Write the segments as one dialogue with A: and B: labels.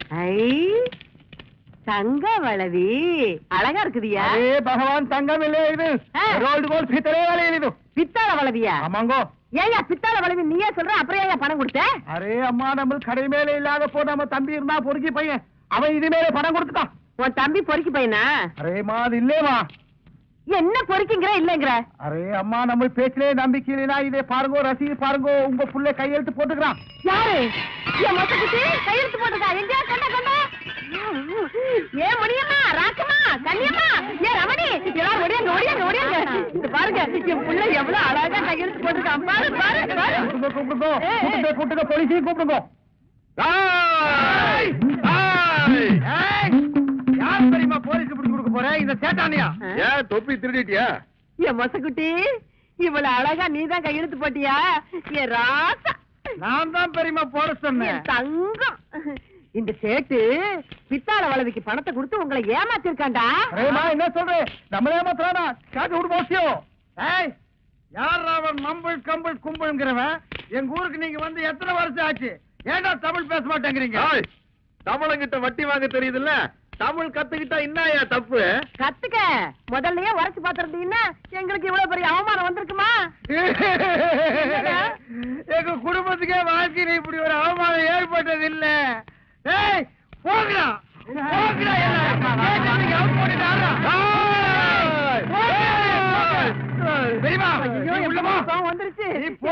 A: தங்க வளவி அழகா இருக்குதியா?
B: பகவான் தங்கம் இல்ல இது ரோல்டு கோல்ட் பித்தளை வளையல் இது.
A: பித்தாள வளவியா?
B: ஆமாங்கோ.
A: ஏயா பித்தாள வளவி நீயே சொல்ற, அப்புறம் ஏன் பணம் கொடுத்த?
B: அரே அம்மா, நம்ம கடை மேல இல்லாத போ நம்ம தம்பி இருந்தா பொறுக்கி பையன், அவன் இது மேல பணம் கொடுத்துட்டான்.
A: உன் தம்பி பொறுக்கி பையனா?
B: அரேமா அது இல்லேமா.
A: என்ன பொறுக்கிங்கிற இல்லங்கிற?
B: அரே அம்மா, நம்ம பேச்சிலே நம்பிக்கை இல்லைனா இதே பாருங்க, ரசீது பாருங்க, உங்க புள்ள கையெழுத்து போட்டுக்கிறான்.
A: யாரு? என் மொத்தத்துக்கு கையெழுத்து போட்டுக்கா? எங்க கண்ட கண்ட? ஏ முடியம்மா, ராக்கம்மா, கண்ணியம்மா, ஏ ரமணி, எல்லாரும் ஓடியாங்க ஓடியாங்க ஓடியாங்க. இது பாருங்க, என் புள்ள எவ்வளவு அழகா கையெழுத்து போட்டுக்கான். பாரு பாரு பாரு.
B: கூப்பிடுங்க கூப்பிடுங்க, போலீஸையும் கூப்பிடுங்க. யார் தெரியுமா போலீஸ் பிடிச்சு கொடுக்க போற? இந்த சேட்டானியா?
C: ஏன் தொப்பி திருடிட்டியா?
A: என் மொசக்குட்டி, இவ்வளவு அழகா நீதான் கையெழுத்து போட்டியா? என் ராசா,
B: நான் தான் பெரியமா போட சொன்னேன்.
A: தங்கம், இந்த சேட்டு பித்தாள வளவிக்கு பணத்தை கொடுத்து உங்களை ஏமாத்திருக்காண்டா.
B: என்ன சொல்றேன்? நம்மள ஏமாத்துறானா? காட்டு விடு போசியோ. ஏய், யார் அவன் மம்பிள் கம்பிள் கும்பிள்ங்கிறவன்? எங்க ஊருக்கு நீங்க வந்து எத்தனை வருஷம் ஆச்சு? ஏன்டா தமிழ் பேச மாட்டேங்கிறீங்க?
C: தமிழங்கிட்ட வட்டி வாங்க தெரியுதுல்ல, தமிழ் கத்துக்கிட்டா என்னயா தப்பு?
A: கத்துக்க, முதல்லயே உரைச்சு பாத்துருந்தீங்கன்னா எங்களுக்கு இவ்வளவு பெரிய அவமானம் வந்திருக்குமா?
B: எங்க குடும்பத்துக்கே வாழ்க்கையில இப்படி ஒரு அவமானம் ஏற்பட்டது இல்ல. ஏய், போங்கடா போங்கடா,
A: வந்துருச்சு.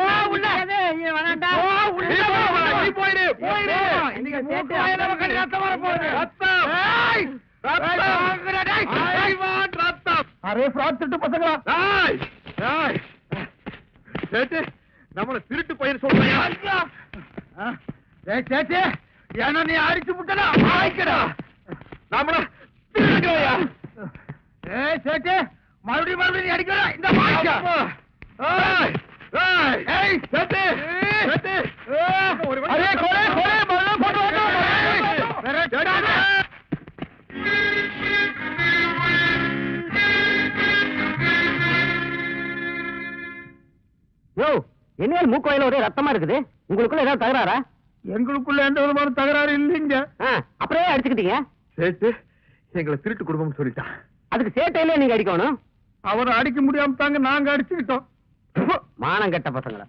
C: நம்மள திருட்டு பயிர் சொல்றியா?
B: ஏன்னா நீ அடிச்சு விட்டா
C: நம்மள
B: சேட்டு மறுபடியும் மறுபடியும் அடிக்கிறா. இந்த
A: என்ன மூக்கு வயல ஒரே ரத்தமா இருக்குது, உங்களுக்குள்ள ஏதாவது தகராறா?
B: எங்களுக்குள்ள எந்த விதமான தகராறு இல்லைங்க.
A: அப்புறம் அடிச்சுக்கிட்டீங்க?
C: சேட்டு எங்களை திருட்டு குடும்பம் சொல்லிட்டான்.
A: அதுக்கு சேட்டையில நீங்க அடிக்கணும்.
B: அவரை அடிக்க முடியாம தாங்க நாங்க அடிச்சுக்கிட்டோம்.
A: மானம் கெட்ட பசங்கள.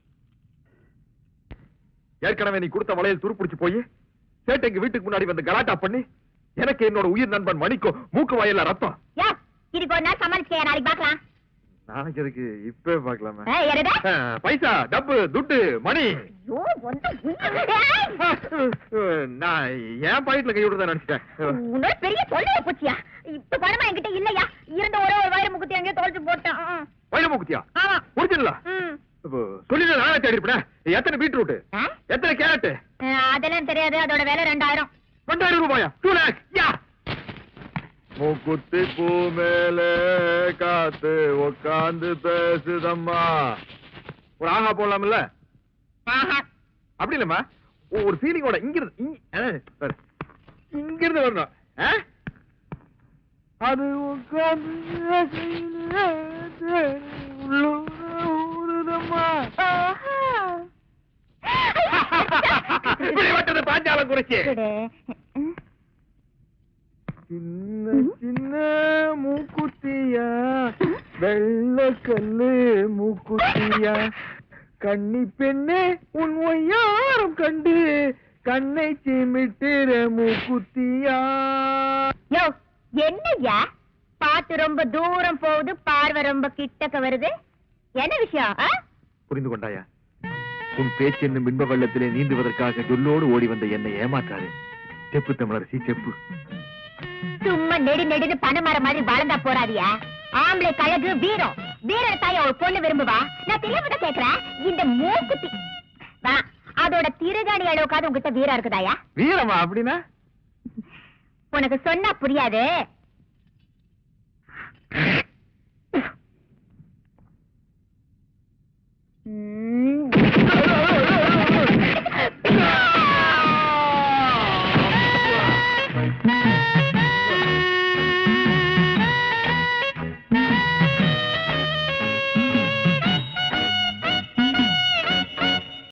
C: ஏற்கனவே நீ கொடுத்த வளையல் துருப்பிடிச்சு போய் சேட்டை எங்க வீட்டுக்கு முன்னாடி வந்து கலாட்டா பண்ணி எனக்கு என்னோட உயிர் நண்பன் மணிக்கும் மூக்கு வயல்ல ரத்தம்.
D: இதுக்கு ஒரு நாள் சமாளிச்சு நாளைக்கு பாக்கலாம்.
C: நாளைக்கு எதுக்கு, இப்பவே பாக்கலாமா? பைசா, டப்பு, துட்டு, மணி. நான் ஏன் பாயிண்ட்ல கை விடுறதா நினைச்சிட்டேன்.
D: உன்னோட பெரிய தொல்லைய போச்சியா? இப்ப பணமா என்கிட்ட இல்லையா? இருந்த ஒரே ஒரு வயிறு முக்குத்தி அங்கே தொலைச்சு போட்டேன்.
C: வயிறு முக்குத்தியா?
D: ஆமா.
C: ஒரிஜினலா? சொல்லி நானே தேடி இருப்பேன். எத்தனை பீட்ரூட், எத்தனை கேரட்?
D: அதெல்லாம் தெரியாது. அதோட விலை 2000.
C: 2000 ரூபாயா? 2 lakhs. யா மூக்குத்தி பூ மேல காத்து உக்காந்து பேசுதம்மா. ஒரு ஆஹா போடலாம்ல? அப்படி இல்லம்மா, ஒரு ஃபீலிங்கோட இங்கிருந்து வரணும்.
B: அது
C: உட்காந்து பாஞ்சாலம் குறிச்சு சின்ன சின்ன மூக்குத்தியா, வெள்ள கல்லு மூக்குத்தியா, கண்ணி பெண்ணே உன் ஒய்யாரம் கண்டு கண்ணை சிமிட்டுற மூக்குத்தியா.
D: என்னய்யா பாட்டு ரொம்ப தூரம் போகுது, பார்வை ரொம்ப கிட்டக்க வருது, என்ன விஷயம்?
C: புரிந்து கொண்டாயா? உன் பேச்சு என்னும் பின்ப வெள்ளத்திலே நீந்துவதற்காக சொல்லோடு ஓடி வந்த என்னை ஏமாற்றாரு. செப்பு தமிழரசி செப்பு.
D: சும்மா நெடு நெடுன்னு பணமர மாதிரி வளர்ந்தா போறாதியா? ஆம்பளை கழகு வீரம், வீரர் தாய ஒரு பொண்ணு விரும்புவா. நான் தெரியாம கேக்குறேன், இந்த மூக்குத்தி அதோட திருகாணி அளவுக்காவது உங்ககிட்ட வீரம் இருக்குதாயா?
C: வீரமா அப்படின்னா?
D: உனக்கு சொன்னா புரியாது.